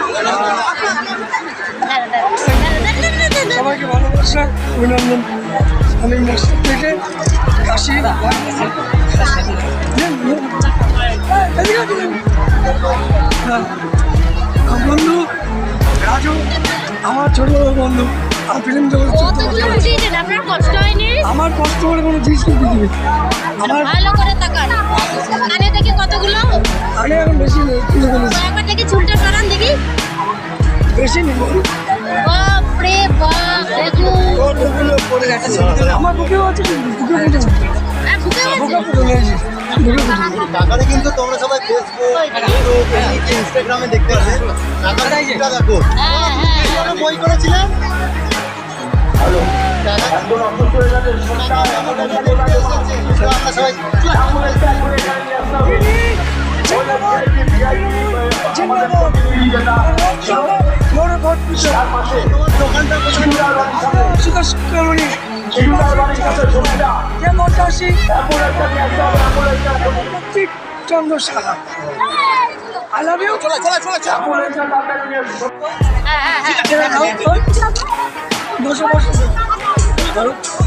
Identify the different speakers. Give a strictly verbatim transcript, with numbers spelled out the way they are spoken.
Speaker 1: সবাইকে ভালোবাসা অভিনন্দন। আমি মস্তক থেকে কাশি বন্ধু রাজু, আমার ছোট বন্ধু। আর ফিল্ম আমার কষ্ট করে কোনো জিনিস কিনতে দিবে। আমার
Speaker 2: ভালো করে তাকান, কানে থেকে কতগুলো
Speaker 1: আগে এখন বেশি নেই, তুলে ফেলেছি।
Speaker 2: একবার থেকে চুলটা সরান দেখি।
Speaker 1: বেশি নেই,
Speaker 2: বাপ রে বাপ, দেখুন
Speaker 1: আমার বুকেও আছে, বুকে বুঝে
Speaker 2: আর বুকে
Speaker 1: বুকে পড়ে গেছে।
Speaker 3: টাকাটা কিন্তু তোমরা সবাই ফেসবুক, ইউটিউব, ইনস্টাগ্রামে দেখতে পাবে। টাকাটা এটা দেখো,
Speaker 2: হ্যাঁ হ্যাঁ
Speaker 3: বই করেছিলাম। আমরা সবাই দোকানটা
Speaker 1: চন্দ্র সাহা I love you.
Speaker 3: চলে চলে চলে চলে
Speaker 2: হ্যাঁ হ্যাঁ
Speaker 1: বসে বসে